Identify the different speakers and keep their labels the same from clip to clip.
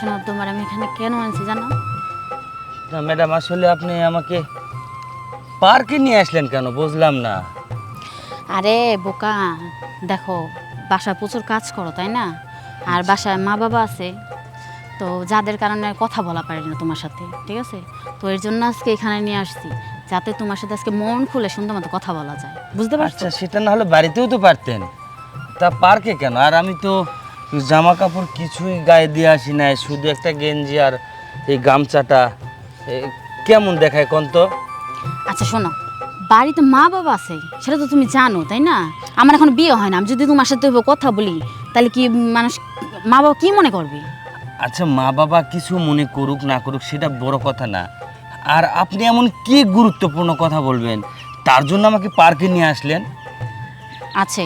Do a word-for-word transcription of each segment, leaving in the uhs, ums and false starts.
Speaker 1: শোনো, তোমার আমি এখানে কেন আনছি জানো?
Speaker 2: না ম্যাডাম, আসলে আপনি আমাকে পার্কে নিয়ে আসলেন কেন বুঝলাম না।
Speaker 1: আরে বোকা, দেখো বাসায় প্রচুর কাজ করো তাই না, আর বাসায় মা বাবা আছে, তো যাদের কারণে কথা বলা পারি না তোমার সাথে, ঠিক আছে? তো এর জন্য আজকে এখানে নিয়ে আসছি, যাতে তোমার সাথে আজকে মন খুলে সুন্দর মতো কথা বলা যায়, বুঝতে পারছো?
Speaker 2: আচ্ছা, সেটা না হলে বাড়িতেও তো পারতেন, তা পার্কে কেন? আর আমি তো জামা কাপড় কিছুই গায়ে দিয়ে আসি নাই, শুধু একটা গেঞ্জি আর এই গামছাটা। এ, কেমন দেখায় কোন তো?
Speaker 1: আচ্ছা শোনো, বাড়িতে মা বাবা আছে সেটা তো তুমি জানো তাই না? আমার এখন বিয়ে হয় না, আমি যদি তোমার সাথে কথা বলি তাহলে কি মানুষ, মা বাবা কি মনে করবে?
Speaker 2: আচ্ছা, মা বাবা কিছু মনে করুক না করুক সেটা বড় কথা না, আর আপনি এমন কি গুরুত্বপূর্ণ কথা বলবেন তার জন্য আমাকে পার্কে নিয়ে আসলেন?
Speaker 1: আছে,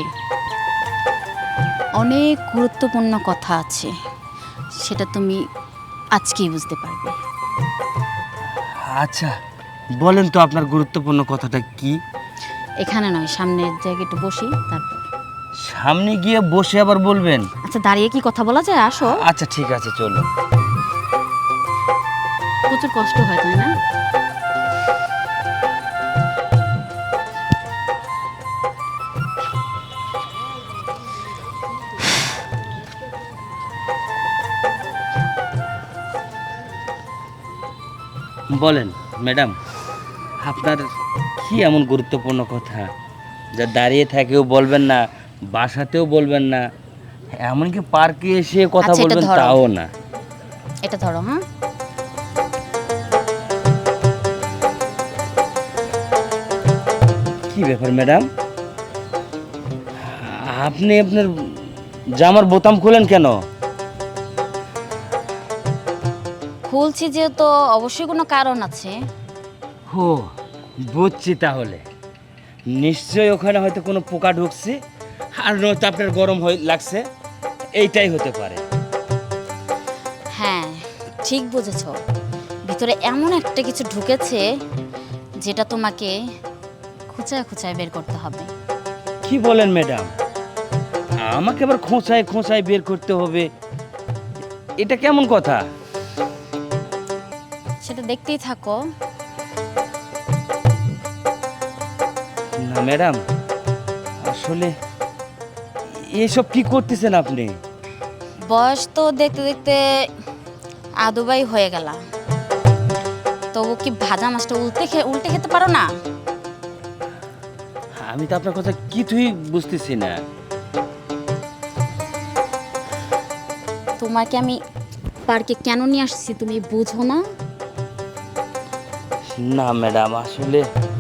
Speaker 1: অনেক গুরুত্বপূর্ণ কথা আছে, সেটা তুমি আজকেই বুঝতে পারবে।
Speaker 2: আচ্ছা বলেন তো, আপনার গুরুত্বপূর্ণ কথাটা কি?
Speaker 1: এখানে নয়, সামনের জায়গায় একটু বসি তারপর।
Speaker 2: সামনে গিয়ে বসে আবার বলবেন?
Speaker 1: আচ্ছা দাঁড়িয়ে কি কথা বলা যায়? আসো।
Speaker 2: আচ্ছা ঠিক আছে, চলো।
Speaker 1: প্রচুর কষ্ট হয় তাই না?
Speaker 2: বলেন ম্যাডাম, আপনার কি এমন গুরুত্বপূর্ণ কথা যা দাঁড়িয়ে থেকেও বলবেন না, বাসাতেও বলবেন না, এমনকি পার্কে এসে কথা
Speaker 1: আচ্ছা, এটা
Speaker 2: বলবেন
Speaker 1: ধরো।
Speaker 2: তাও না?
Speaker 1: এটা ধরো। হ্যাঁ,
Speaker 2: কি ব্যাপার ম্যাডাম, আপনি আপনার জামার বোতাম খুলেন কেন?
Speaker 1: খুলছি যেহেতু অবশ্যই কোনো কারণ আছে।
Speaker 2: হো, বুঝছি তাহলে। নিশ্চয়ই ওখানে হয়তো কোনো পোকা ঢুকছে, আর নয়তো আপনার গরম হয়ে লাগছে, এইটাই হতে পারে।
Speaker 1: হ্যাঁ, ঠিক বুঝেছো, ভিতরে এমন একটা কিছু ঢুকেছে যেটা তোমাকে খুঁচায় খুঁচায় বের করতে হবে।
Speaker 2: কি বলেন ম্যাডাম, আমাকে আবার খোঁচায় খোঁচায় বের করতে হবে? এটা কেমন কথা?
Speaker 1: সেটা দেখতেই থাকো।
Speaker 2: না ম্যাডাম, আসলে এসব কি করতেছেন আপনি?
Speaker 1: বয়স তো দেখতে দেখতে আদুবাই হয়ে গেল, তবু কি ভাজা মাছটা উল্টে খে উল্টে খেতে পারো না?
Speaker 2: আমি তো আপনার কথা কিছুই বুঝতেছি না।
Speaker 1: তোমাকে আমি পার্কে কেন নিয়ে আসছি তুমি বুঝো না?
Speaker 2: না ম্যাডাম, আসলে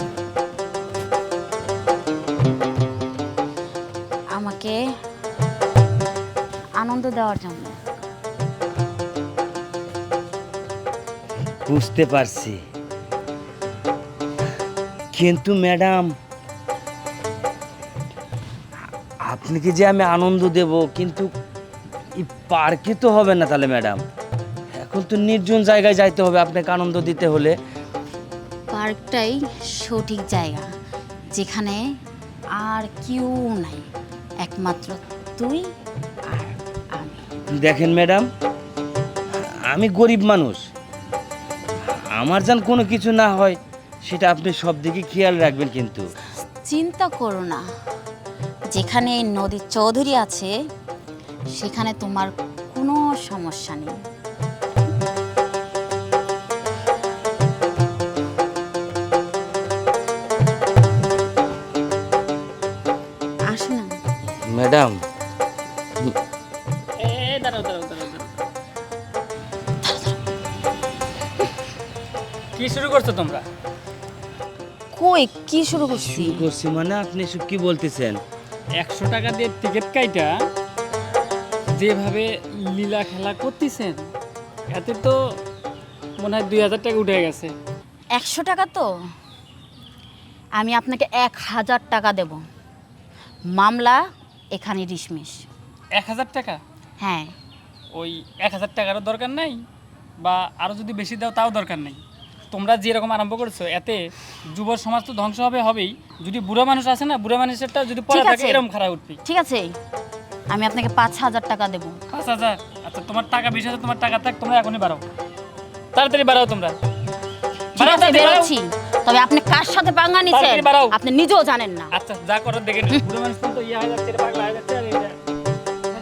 Speaker 1: আমাকে আনন্দ দেওয়ার জন্য।
Speaker 2: বুঝতে পারছি, কিন্তু ম্যাডাম আপনি কি যে আমি আনন্দ দেব, কিন্তু এই পার্কে তো হবে না তাহলে ম্যাডাম। এখন তো নির্জন জায়গায় যাইতে হবে আপনাকে আনন্দ দিতে হলে।
Speaker 1: পার্কটাই সঠিক জায়গা, যেখানে আর কেউ নাই, একমাত্র তুই আর আমি।
Speaker 2: দেখেন ম্যাডাম, আমি গরিব মানুষ, আমার যেন কোনো কিছু না হয় সেটা আপনি সব দিকে খেয়াল রাখবেন কিন্তু।
Speaker 1: চিন্তা করো না, যেখানে এই নদীর চৌধুরী আছে সেখানে তোমার কোনো সমস্যা নেই। আসো না।
Speaker 2: ম্যাডাম,
Speaker 3: এ দাঁড়াও দাঁড়াও দাঁড়াও দাঁড়াও। কি শুরু করছো তোমরা?
Speaker 1: কই কি শুরু করছি?
Speaker 2: শুরু করছি মানে আপনি এসব কি বলতেছেন?
Speaker 3: একশো টাকা দিয়ে টিকিট কাইটা যেভাবে লীলা খেলা করতেছেন, এতে তো মনে হয় দুই হাজার টাকা উঠে গেছে।
Speaker 1: একশো টাকা তো আমি আপনাকে এক হাজার টাকা দেব, মামলা এখানে ডিসমিস।
Speaker 3: এক হাজার টাকা?
Speaker 1: হ্যাঁ।
Speaker 3: ওই এক হাজার টাকারও দরকার নাই, বা আরও যদি বেশি দাও তাও দরকার নেই। তোমরা যেরকম আরম্ভ করেছো এতে যুব সমাজ তো ধ্বংস হবে হবেই, যদি বুড়ো মানুষ আছে না, বুড়ো মানুষেরটা যদি পড়ে
Speaker 1: ঠিক
Speaker 3: থাকে
Speaker 1: আছে।
Speaker 3: এরকম খারাপ উঠবি।
Speaker 1: ঠিক আছে, আমি আপনাকে পাঁচ হাজার টাকা দেব।
Speaker 3: পাঁচ হাজার? আচ্ছা আচ্ছা তোমার টাকা বিশ হাজার তোমার টাকা থাক, তোমরা এখনই বাড়াও, তাড়াতাড়ি বাড়াও তোমরা।
Speaker 1: ঠিক
Speaker 3: বাড়াও,
Speaker 1: আছে
Speaker 3: তাড়াতাড়ি বাড়াও।
Speaker 1: বেরোচ্ছি, তবে আপনি কার সাথে পাঙ্গা নিছেন
Speaker 3: তাড়াতাড়ি বাড়াও।
Speaker 1: আপনি নিজেও জানেন না।
Speaker 3: আচ্ছা যা করার দেখে নিন। বুড়ো মানুষ তো ইয়ে হয়ে যাচ্ছে, রে, পাগলা হয়ে যাচ্ছে, আর এটা